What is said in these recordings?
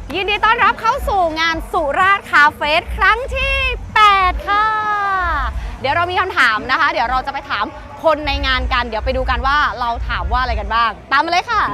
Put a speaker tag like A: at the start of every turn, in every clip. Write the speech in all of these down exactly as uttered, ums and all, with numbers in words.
A: ยินดีต้อนรับเข้าสู่งานสุราษฎร์คาเฟ่ครั้งที่แปดค่ะเดี๋ยวเรามีคำถามนะคะ เดี๋ยวเราจะไปถามคนในงานกันเดี๋ยวไปดูกันว่าเราถามว่าอะไรกันบ้างตามมาเลยค่ะ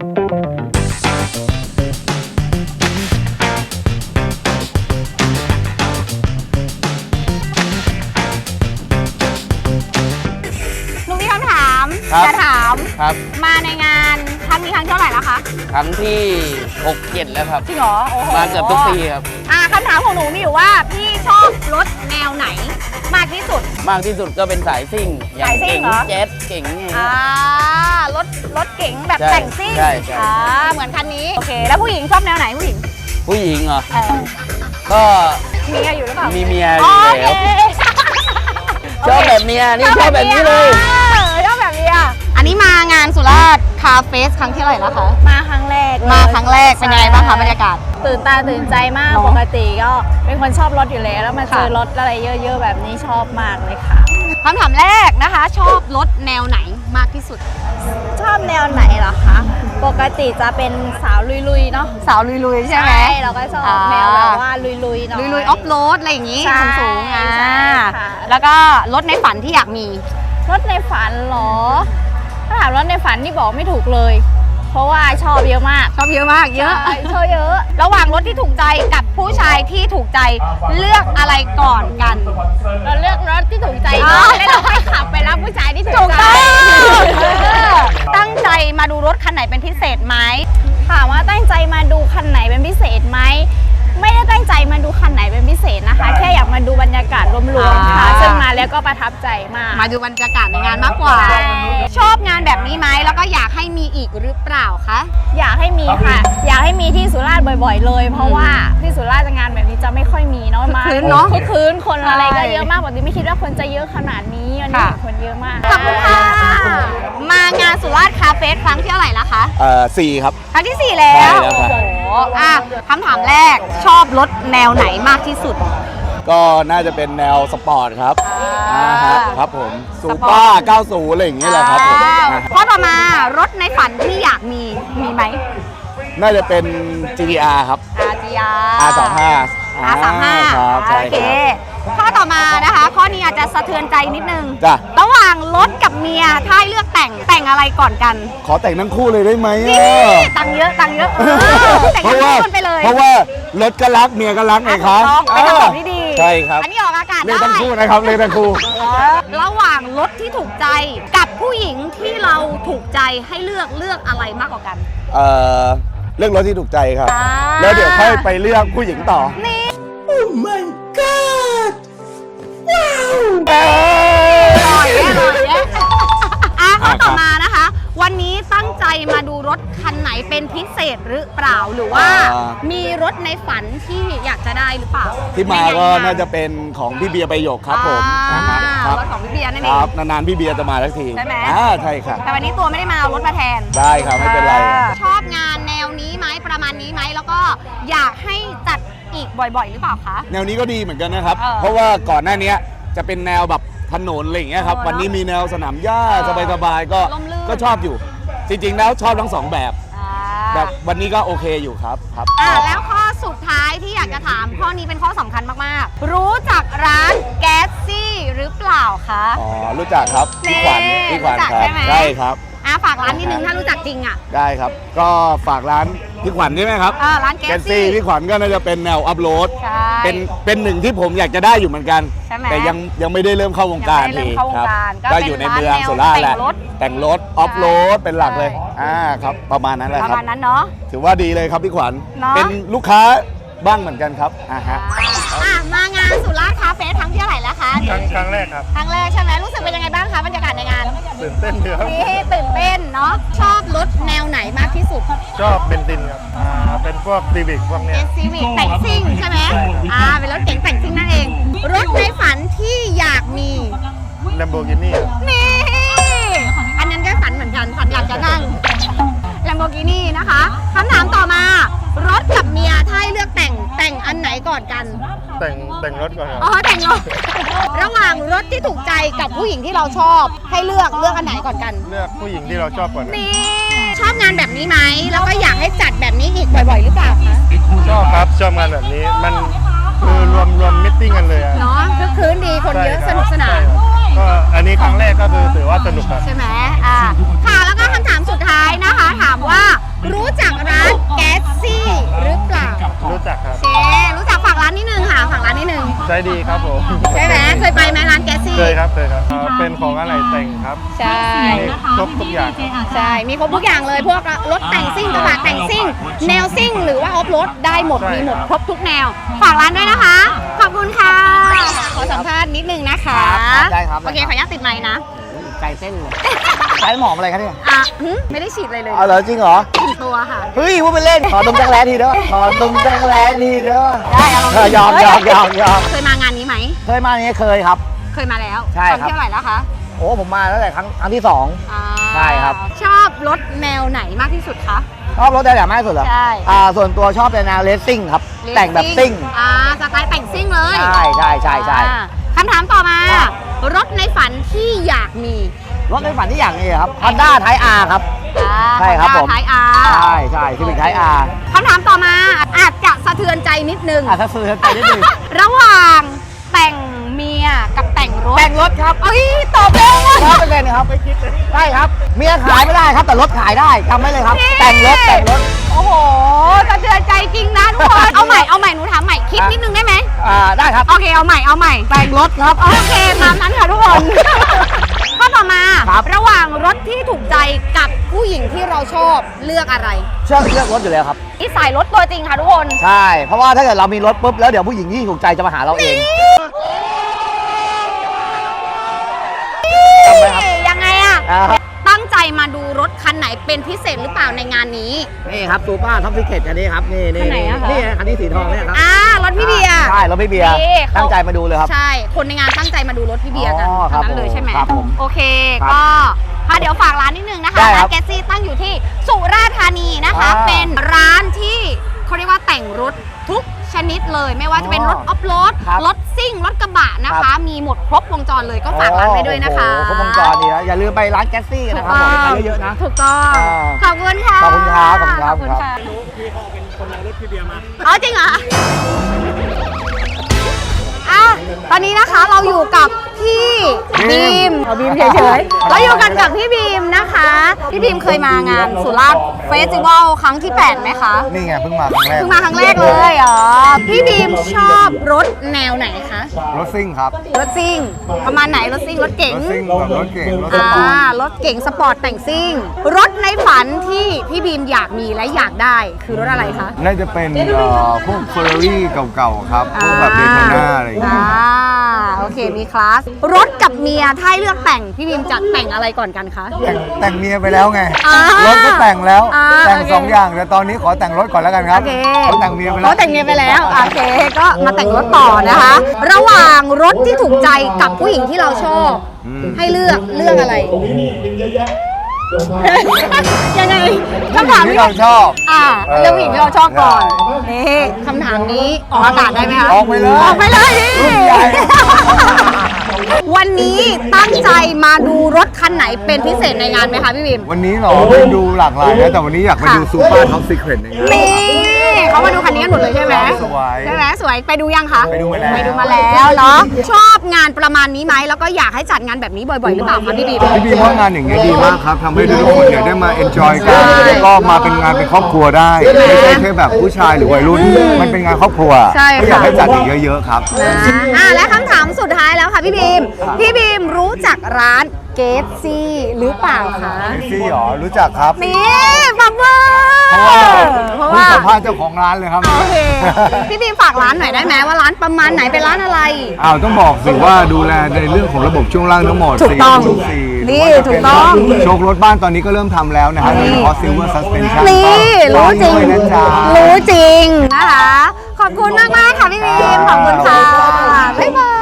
A: หนูมีคำถามจะถาม
B: ครับ
A: มาในงานครั้งนี้ครั้งเท่าไหร่แล้วคะ
B: ครั้งที่หก เจ็ดแล้วครับ
A: จริงเหรอโอ้โห
B: มาเกือบทุกปีครับ
A: อ่าคำถามของหนูมีอยู่ว่าพี่ชอบรถแนวไหนมากที่สุด
B: มากที่สุดก็เป็นสายซิ่ง
A: สายซิ่งเหรอ
B: เจ็ตเก๋งไง
A: อ่ารถรถเก๋งแบบแต่งซิ่ง
B: ใช่ใช่
A: อ่าเหมือนคันนี้โอเคแล้วผู้หญิงชอบแนวไหนผู้หญิง
B: ผู้หญิงเหรอก็
A: มีเมียอยู่หรือเปล่า
B: มีเมียอยู่แล้วชอบแบบเมียนี่ชอบแบบนี้เลย
A: ชอบแบบเมียอันนี้มางานสุราษฎร์คาเฟ่ครั้งที่เท่าไหร่แล้วคะ
C: มาครั้งแรก
A: มาครั้งแรกเป็นยังไงบ้างคะบรรยากาศ
C: ตื่นตาตื่นใจมากปกติก็เป็นคนชอบรถอยู่แล้วแล้วมาเจอรถอะไรเยอะๆแบบนี้ชอบมากเลยค่ะ
A: คำถามแรกนะคะชอบรถแนวไหนมากที่สุด
C: ชอบแนวไหนเหรอคะปกติจะเป็นสาวลุยๆเนาะ
A: สาวลุยๆใช่ไหม
C: ใช่เราก็ชอบแนวแบบว่าลุยๆหน่อย
A: ลุยๆออฟโรดอะไรอย่างงี้สูงๆอ่ะ
C: ค่ะ
A: แล้วก็รถในฝันที่อยากมี
C: รถในฝันเหรอถ้าถามรถในฝันนี่บอกไม่ถูกเลยเพราะว่าชอบเยอะมาก
A: ชอบเยอะมากเยอะ
C: ชอบเยอะ
A: ระหว่างรถที่ถูกใจกับผู้ชายที่ถูกใจเลือกอะไรก่อนกัน
C: เราเลือกรถที่ถูกใจก่อนแล้วเราค่อยขับไปรับผู้ชายที่ถูกใจ
A: ตั้งใจมาดูรถคันไหนเป็นพิเศษไหม
C: ถามว่าตั้งใจมาดูคันไหนเป็นพิเศษไหมไม่ได้ตั้งใจมาดูคันไหนเป็นพิเศษนะคะแค่อยากมาดูบรรยากาศรวมๆค่ะซึ่งมาแล้วก็ประทับใจมาก
A: มาดูบรรยากาศในงานมากกว่าชอบงานแบบนี้ไหมแล้วก็อยากให้มีอีกหรือเปล่าคะ
C: อยากให้มีค่ะอยากให้มีที่สุราษฎร์บ่อยๆเลยเพราะว่าที่สุราษฎร์งานแบบนี้จะไม่ค่อยมีเนาะมา
A: คืนเนาะ
C: คืนคนอะไรก็เยอะมากปกติไม่คิดว่าคนจะเยอะขนาดนี้วันนี้คนเยอะมาก
A: ขอบคุณค่ะมางานสุราษฎร์คาเฟ่ครั้งที่เท่าไหร่ละคะ
B: เอ่อสี่ครับ
A: ครั้งที่สี่แล้วโอ้โหอ่ะคำถามแรกชอบรถแนวไหนมากที่สุด
B: ก็น่าจะเป็นแนวสปอร์ตครับอ่าครับผมซูเปอร์เก้าสิบอะไรอย่างเงี้ยแหละครับผม
A: ข้อต่อมารถในฝันที่อยากมีมีไหม
B: น่าจะเป็น จี ที อาร์ ครับ
A: อาร์ จี อาร์
B: อาร์ สามสิบห้า
A: อาร์ สามสิบห้า
B: ครับใช่ครับ
A: ข้อต่อมานะคะข้อนี้อาจจะสะเทือนใจนิดนึง
B: จ้ะ
A: ระหว่างรถกับเมียถ้าให้เลือกแต่งแต่งอะไรก่อนกัน
B: ขอแต่งทั้งคู่เลยได้ไหม
A: นี่ตังเยอะตังเยอะแต่งทั้งคู่กันไปเลย
B: เพราะว่ารถก็รักเมียก็รักไงครับ
A: เป็นคำตอบที่ดี
B: ใช่ครับ
A: อันนี้ออกอากาศได้
B: เลยทั้งคู่นะครับเลยทั้งคู่
A: ระหว่างรถที่ถูกใจกับผู้หญิงที่เราถูกใจให้เลือกเลือกอะไรมากกว่ากัน
B: เอ่อเลือกรถที่ถูกใจครับแล้วเดี๋ยวค่อยไปเลือกผู้หญิงต่อ
A: นี่
B: Oh my god
A: ว้าวหล่อแย่หล่อแย่อ่ะข้อต่อมานะคะวันนี้ตั้งใจมาดูรถคันไหนเป็นพิเศษหรือเปล่าหรือว่ามีรถในฝันที่อยากจะได้หรือเปล่า
B: ที่มาก็น่าจะเป็นของพี่เบียร์ประโยคครับผม
A: รถของพี่เบียร์นั่นเอง
B: ครับนานๆพี่เบียร์จะมาสักที
A: ใช่ไหม
B: อ่าใช่ครับ
A: แต่วันนี้ตัวไม่ได้มาเอารถมาแทน
B: ได้ครับไม่เป็นไร
A: ชอบงานแนวนี้ไหมประมาณนี้ไหมแล้วก็อยากให้จัดอีกบ่อยๆหรือเปล่าคะ
B: แนวนี้ก็ดีเหมือนกันนะครับเพราะว่าก่อนหน้านี้จะเป็นแนวแบบถนนอะไรอย่างเงี้ยครับวันนี้มีแนวสนามหญ้าสบายๆก็ก็ชอบอยู่จริงๆแล้วชอบทั้งสองแบบแบบวันนี้ก็โอเคอยู่ครับครับ
A: อ่าแล้วข้อสุดท้ายที่อยากจะถามข้อนี้เป็นข้อสำคัญมากๆรู้จักร้านแก๊สซี่หรือเปล่าคะ
B: อ๋อรู้จักครับพี่ขวัญพี่ขวัญครับใช่ครับ
A: อ่าฝากร้านนิดนึงถ้ารู้จักจริงอ่ะ
B: ได้ครับก็ฝากร้านพี่ขวัญใช่ไหมครับ
A: อ่าร้านแก๊สซี่
B: พี่ขวัญก็น่าจะเป็นแนวอัพโหลดเป็นเป็นหนึ่งที่ผมอยากจะได้อยู่เหมือนกันแต่ยังยังไม่ได้เริ่มเข้าวงการทีครับก็อยู่ในเมืองสุราษฎร์แหละแต่งรถออฟโรดเป็นหลักเลยอ่าครับประมาณนั้นแหละครับ
A: ประมาณนั้นเนาะ
B: ถือว่าดีเลยครับพี่ขวัญเป็นลูกค้าบ้างเหมือนกันครับอ่าฮะ
A: อ่ะมางานสุราษฎร์คาเฟ่ครั้งที่เท่าไหร่แล้วคะ
D: ครั้งครั้งแรกครับ
A: ครั้งแรกใช่ไหมรู้สึกเป็นยังไงบ้างคะบรรยากาศในงาน
D: ตื่นเต้นเยอะ
A: นี่ตื่นเต้นเนาะชอบรถแนวไหนมากที่สุด
D: ชอบเบนซินครับอ่าเป็นพวกซีวิกพวกเนี้ย
A: ซีวิกแต่งซิ่งใช่ไหมอ่าเป็นรถเก๋งแต่งซิ่งนั่นเองรถในฝันที่อยากมี
D: Lamborghini
A: นี่อันนั้นก็ฝันเหมือนกันฝันอยากจะนั่ง Lamborghini นะคะคำถามต่อมารถกับเมียถ้าให้เลือกแต่งแต่งอันไหนก่อนกัน
D: แต่งแต่งรถก่อนครับ
A: อ๋อแต่งรถระหว่างรถที่ถูกใจกับผู้หญิงที่เราชอบให้เลือกเลือกอันไหนก่อนกัน
D: เลือกผู้หญิงที่เราชอบก่อน
A: นี่ชอบงานแบบนี้ไหมแล้วก็อยากให้จัดแบบนี้อีกบ่อยๆหรือเปล่าคะ
D: ชอบงานแบบนี้มันคือรวมรวมมิทติ้งกันเลยอะ
A: เนาะคึกคืนดีคนเยอะสนุกสนาน
D: ก็อันนี้ครั้งแรกก็คือถือว่าสนุกครับ
A: ใช่ไหมอ่าค่ะแล้วก็คำถามสุดท้ายนะคะ ถามว่ารู้จักร้านแก๊สซี่หรือเปล่า
D: รู้จักครับ
A: เชรู้จักฝากร้านนิดนึงค่ะฝากร้านนิดนึง
D: ใจดีครับผม
A: ใช่ไหมเคยไปไหมร้านแก๊สซี่
D: เคยครับเคยครับอ่าเป็นของอะไรแต่งครับ
A: ใช่
D: มีครบทุกอย่างครับ
A: ใช่มีครบทุกอย่างเลยพวกรถแต่งซิ่งกระบะแต่งซิ่งแนวซิ่งหรือว่าออฟโรดได้หมด
D: ใช่
A: มีหมด
D: ครับ
A: ครบทุกแนวฝากร้านด้วยนะคะ ขอบคุณค่ะ ขอสัมภาษณ์นิดนึงนะคะ
E: ได้ครับ
A: โอเคขออนุญาตติดไมค์นะ
E: ใจเต้นเลยใช้หมอมอะไรครับเนี่ย
A: อ่ะหึไม่ได้ฉีดอะไรเลย
E: เอาเหรอจริงเหรอ
A: ติดตัวค่ะ
E: เฮ้ยพูดไปเล่น ขอดมจักรแร้ทีเด้อขอดมจักรแร้ทีเด้อ
A: ได้เอาลอง
E: เออยอมยอมยอมยอม
A: เคยมางานนี้ไหม
E: เคยมาอย่างนี้เคยครับ
A: เคยมาแล้ว
E: ใช่ครับ
A: ตอนเที่ยวไหร่แล้วคะ
E: โอ้ผมมาตั้งแต่ครั้งครั้งที่สอง
A: อ่า
E: ใช่ครับ
A: ชอบรถแนวไหนมากที่สุดคะ
E: ชอบรถแต่แบบมากที่สุดเหรอ
A: ใช่
E: อ่าส่วนตัวชอบเป็นแนวเลสซิ่งครับ แต่งแบบซิ่ง
A: อ่าสไตล์แต่งซิ่งเลย
E: ใช่ใช่ใช่ใช่
A: อ่าคำถามต่อมา รถในฝันที่อยากมี
E: รถในฝันที่อย่างนี้ครับ Honda Type R ครับ ใช่ครับผม
A: ท้ายอา
E: ใช่ใช่ Civic Type R
A: คำถามต่อมาอาจจะสะเทือนใจนิดนึง
E: อ่ะถ้าซื้อไปนิดนึง
A: ระหว่างแต่งเมียกับแต่งรถ
E: แต่งรถครับ
A: เอ้ยตอบเร็วมาก
E: ร้อยเปอร์เซ็นต์ครับใช่ครับ เมียขายไม่ได้ครับ แต่รถขายได้จำไว้เลยครับ แต่งรถแต่งรถ
A: โอ้โหสะเทือนใจจริงนะทุกคน เอาใหม่เอาใหม่หนูถามใหม่คิดนิดนึงได้ไหม
E: อ่าได้ครับ
A: โอเคเอาใหม่เอาใหม่
E: แต่งรถครับ
A: โอเคตามนั้นค่ะทุกคน ข้อต่อมา
E: ครับ
A: ระหว่างรถที่ถูกใจกับผู้หญิงที่เราชอบเลือกอะไร
E: เชื่อเลือกรถอยู่แล้วครับ
A: นี่สายรถตัวจริงค่ะทุกคน
E: ใช่ เพราะว่าถ้าเกิดเรามีรถปุ๊บแล้วเดี๋ยวผู้หญิงที่ถูกใจจะมาหาเราเองจำไว้ครับ
A: ยังไงอะ
E: อ่าครับ
A: ตั้งใจมาดูรถคันไหนเป็นพิเศษหรือเปล่าในงานนี้
E: นี่ครับซูเปอร์ท็อปฟิเคทคันนี้ครับ นี่นี่
A: คันไหนอะคะ
E: นี่คันนี้สีทองเนี่ยครับ
A: อ่ารถพี่เบียร์
E: ใช่รถพี่เบียร์
A: นี่เขา
E: ตั้งใจมาดูเลยครับ
A: ใช่ คนในงานตั้งใจมาดูรถพี่เบียร์กัน
E: อ๋อครั
A: ทั้
E: บ
A: งนั้นเลยใช่ไหม
E: ครับผม
A: โอเค
E: ครับ
A: ก็ค่ะเดี๋ยวฝากร้านนิดนึงนะคะ
E: ได้ครั
A: ร้า
E: บ
A: นแกสซี่ตั้งอยู่ที่สุราษฎร์ธานีนะคะ
E: อ่า
A: เป็นร้านที่เขาเรียกว่าแต่งรถทุกชนิดเลย ไม่ว่าจะเป็นรถออฟโรด
E: ครับ
A: รถซิ่ง รถกระบะนะ
E: ครั
A: คะ
E: บ
A: มีหมดครบวงจรเลยก็ฝากร้านไว้ด้วยนะคะ
E: โอ้โหครบวงจรดีนะอย่าลืมไปร้านแก๊สซี่กัน
A: ถู
E: นะ
A: ก
E: ครับ
A: ต้
E: ผ
A: อ
E: ม
A: ง
E: ไปเยอะๆนะ
A: ถูกต้อง
E: อ่า
A: ขอบคุณค่ะ
E: ขอบคุณครับขอบคุณครับ
A: ขอบคุณค่ะ
D: พี่เขาเป็นคนเอารถพี่เบียร์มา
A: อ๋อจริงเหรออ่ะตอนนี้นะคะเราอยู่กับพี่บีมเอาบีมเฉยๆเราอยู่กันกับพี่บีมนะคะ พี่บีมเคยมางานสุราษฎร์เฟสติวัลครั้งที่แปดไหมคะ
E: นี่ไงเพิ่งมาครั้งแรก
A: เพิ่งมาครั้งแรกเลยอ๋อพี่บีมชอบรถแนวไหนคะ
E: รถซิ่งครับ
A: รถซิ่งประมาณไหนรถซิ่งรถเก๋ง
E: รถซิ่งแบบรถเก่งรถส
A: อ่า
E: ปอร์ต
A: รถเก๋งสปอร์ตแต่งซิ่ง รถในฝันที่พี่บีมอยากมีและอยากได้คือรถอะไรคะ
F: น่าจะเป็นเอ่อพวกเฟอร์รารี่เก่าๆครับ พวกแบบเดโทน่าอะไรอย่างเงี้ย
A: อ่าโอเคมีคลาส รถกับเมียถ้าให้เลือกแต่งพี่บีมจะแต่งอะไรก่อนกันคะ
F: แต่งแต่งเมียไปแล้วไง
A: อ่าร
F: ถก็แต่งแล้ว
A: อ่า
F: แต่ง
A: โอเค
F: สองอย่าง แต่ตอนนี้ขอแต่งรถก่อนแล้วกันครับ
A: โอเค
F: เขาแต่งเมียไปแล้ว
A: เขาแต่งเมียไปแล้วโอเคก็มาแต่งรถต่อนะคะ ระหว่างรถที่ถูกใจกับผู้หญิงที่เราชอบ ให้เลือกเลือกอะไร ยังไงคำถาม
F: ที่เราชอบ
A: อ่า
F: เออ
A: เรื่องผู้หญิงที่เราชอบก่อน
F: ได้
A: นี่คำถามนี้ออกอากาศได้ไหมคะ
F: ออกไปเลย
A: ออกไปเลยนี่
F: รุ่นใหญ่
A: วันนี้ตั้งใจมาดูรถคันไหนเป็นพิเศษในงานไหมคะพี่บิม
F: วันนี้เหรอไปดูหลากหลายนะแต่วันนี้อยากไปดู
A: ค่ะ
F: ซูเปอร์ท็อปซีเครตอย่างเงี้ย
A: นี่เขามาดูคันนี้กันหมดเลยใช่ไหม
F: สวย
A: ใช่ไหมสวยไปดูยังคะ
F: ไปดูมาแล้ว
A: ไปดูมาแล้วเนาะชอบงานประมาณนี้ไหมแล้วก็อยากให้จัดงานแบบนี้บ่อยๆหรือเปล่าคะพี่บิม
F: พี่บีมว่างานอย่างเงี้ยดีมากครับทำให้ทุกคนเนี่ยได้มาเอนจอยกันแล้วก็มาเป็นงานเป็นครอบครัวได้ไม่ใช่แค่แบบผู้ชายหรือวัยรุ่นมันเป็นงานครอบครัว
A: ใช่ค่ะ
F: ก็อยากให้จัดอีกเยอะๆครับ
A: นะอ่ะและคำถามสุดท้ายแล้วค่ะพี่บีม พี่บีมรู้จักร้านเกตซี่หรือเปล่าคะ
F: แท็กซี่หรอรู้จักครับ
A: นี่ฟังเบอร์
F: เพราะว่า
A: เพราะว่า
F: เพิ่งสัมภาษณ์เจ้าของร้านเลยครับ
A: โอเค พี่บีมฝากร้านหน่อยได้ไหมว่าร้านประมาณไหนเป็นร้านอะไร
F: อ้าวต้องบอกสิว่าดูแลในเรื่องของระบบช่วงล่างทั้งหมด
A: ถูกต้อง
F: สี่
A: นี่
F: หรืว่าจะ
A: ถู
F: เป็
A: กต้อง
F: โชครถบ้านตอนนี้ก็เริ่มทำแล้วนะฮะโดยเฉพาะ Silver Suspension
A: นี่รู้จริง
F: ด้วยนะจ๊ะ
A: รู้จริงนะคะ ขอบคุณมากมากๆค่ะพี่บีม ขอบคุณค่ะ บ๊ายบาย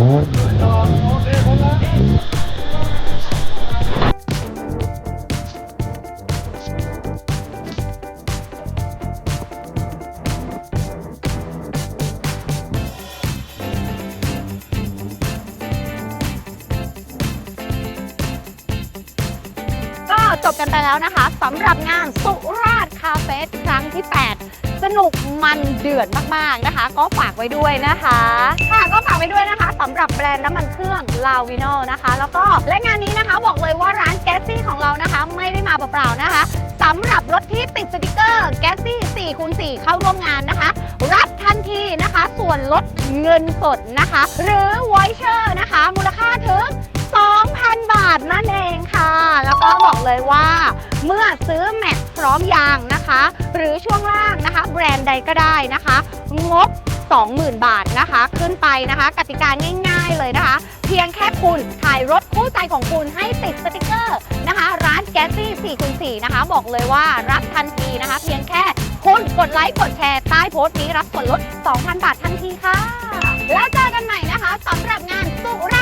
G: เ
A: จบกันไปแล้วนะคะสำหรับงานสุราษฎร์คาเฟ่ครั้งที่ แปด สนุกมันเดือดมากๆนะคะ ก็ฝากไว้ด้วยนะคะค่ะก็ฝากไว้ด้วยนะคะสำหรับแบรนด์น้ำมันเครื่องลาวิโนนะคะแล้วก็และงานนี้นะคะบอกเลยว่าร้านแก๊สซี่ของเรานะคะไม่ได้มาเปล่าๆนะคะสำหรับรถที่ติดสติกเกอร์แก๊สซี่ สี่คูณสี่ เข้าร่วมงานนะคะรับทันทีนะคะส่วนลดเงินสดนะคะหรือวอยเชอร์นะคะมูลค่าถึง สองพัน บาทนั่นเองค่ะแล้วก็บอกเลยว่าเมื่อซื้อแม็กพร้อมยางนะคะหรือช่วงล่างนะคะแบรนด์ใดก็ได้นะคะงบ สองหมื่น บาทนะคะขึ้นไปนะคะกติกาง่ายๆเลยนะคะเพียงแค่คุณถ่ายรถคู่ใจของคุณให้ติดสติกเกอร์นะคะร้านแก๊สซี่ สี่คูณสี่ นะคะบอกเลยว่ารับทันทีนะคะเพียงแค่คุณกดไลค์กดแชร์ใต้โพสต์นี้รับส่วนลด สองพัน บาททันทีค่ะแล้วเจอกันใหม่นะคะสำหรับงานสุรา